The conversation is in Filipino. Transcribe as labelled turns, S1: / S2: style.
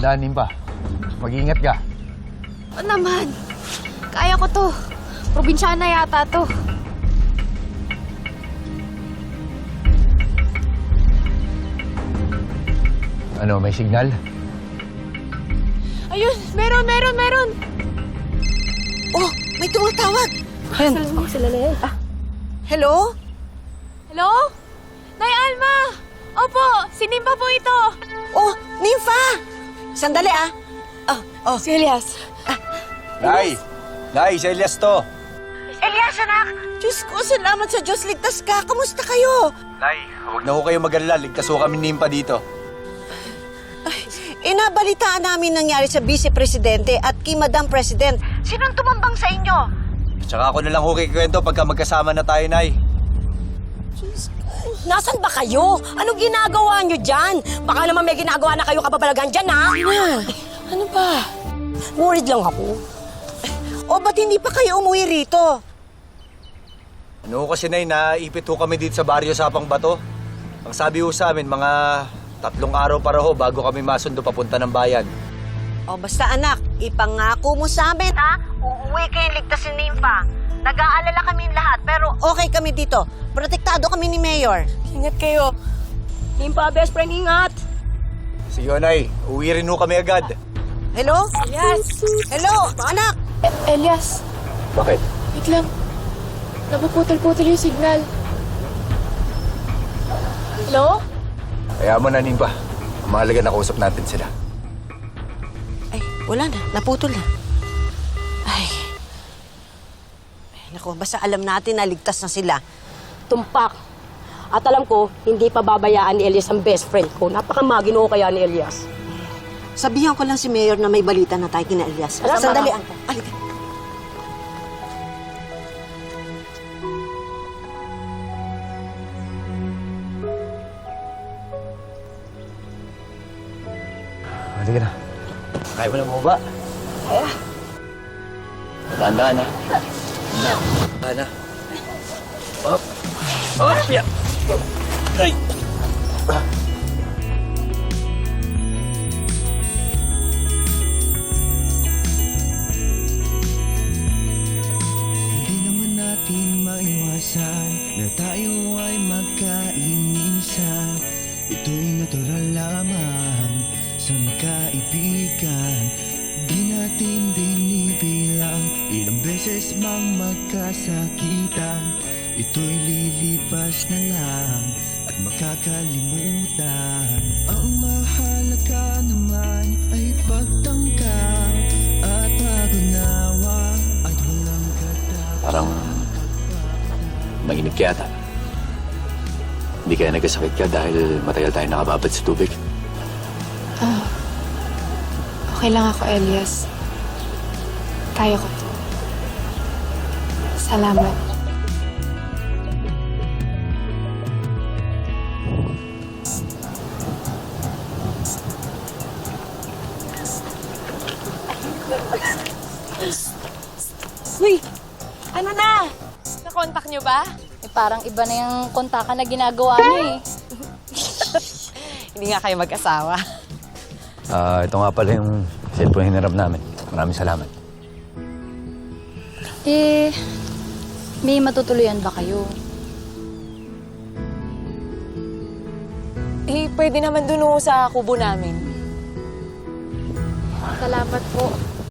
S1: Dahan-dahanin pa. Mag-iingat ka.
S2: O naman. Kaya ko to. Probinsyana yata to.
S1: Ano, may signal?
S2: Ayun, meron.
S3: Oh, may tumatawag.
S2: Sila na yan.
S3: Hello?
S2: Hello? Nay Alma! Opo, si Nimpa po ito.
S3: Oh, Nympha! Sandali ah. Oh.
S2: Si Elias.
S1: Nay! Nay, si Elias to.
S3: Elias, anak! Diyos ko, salamat sa Diyos. Ligtas ka. Kamusta kayo?
S1: Nay, huwag na ho kayo mag-alala. Ligtas ho kami nimpa dito.
S3: Nabalitaan namin nangyari sa Vice Presidente at kay Madam President. Sinong tumambang sa inyo?
S1: Tsaka ako na lang ho kikwento pagka magkasama na tayo, Nay.
S4: Nasaan ba kayo? Anong ginagawa nyo dyan? Baka naman may ginagawa na kayo kababalagan dyan, ha? Ano ba? Worried lang ako.
S3: O ba't hindi pa kayo umuwi rito?
S1: Ano ho kasi, Nay, naipit ho kami dito sa baryo Sapang Bato. Ang sabi ho sa amin, mga 3 araw para ho bago kami masundo papunta ng bayan.
S3: O basta anak, ipangako mo sa amin ha? Uuwi kayong ligtas ni Nympha. Nag-aalala kami lahat pero okay kami dito. Protektado kami ni Mayor.
S4: Ingat kayo. Limpa, best friend, ingat.
S1: Sige, Nay. Uwi rin ho kami agad.
S3: Hello?
S4: Yes.
S3: Hello, anak!
S2: Elias,
S1: Bakit?
S2: wait lang. Napuputol-putol yung signal. Hello?
S1: Kaya mo na, Nimpa. Mahalaga na kausap natin sila.
S3: Ay, wala na. Naputol na. Ay. Naku, basta alam natin na ligtas na sila.
S4: Tumpak. At alam ko, hindi pa babayaan ni Elias ang best friend ko. Napakamaginoo kaya ni Elias.
S3: Sabihan ko lang si Mayor na may balita na tayo kina Elias.
S4: Alam,
S3: Sandali,
S4: tama.
S3: Angka. Halika.
S1: Halika na. Kaya mo na bumaba. Kaya. Tandaan na. Tandaan na. Up. Up. Yeah. Ay.
S5: Hindi naman natin maiwasan na tayo ay magkainisan. Ito'y natural lamang sa magkaibigan. Di natin binibilang ilang beses mang magkasakitan. Ito'y lilipas na lang at makakalimutan. Ang mahalaga naman ay pagtangkang at pag-unawa at walang katapat.
S6: Parang nanginig ka yata. Hindi kaya nagkasakit ka dahil matagal tayo nakababad sa tubig.
S2: Okay lang ako, Elias. Kaya ko to. Salamat.
S4: Uy, ano na?
S2: Nakontak niyo ba?
S7: Parang iba na yung kontakan na ginagawa niyo eh.
S4: Hindi nga kayo mag-asawa.
S1: Ito nga pala yung cellphone hinarap namin. Maraming salamat.
S7: May matutuluyan ba kayo?
S4: Pwede naman dun sa kubo namin.
S2: Salamat po.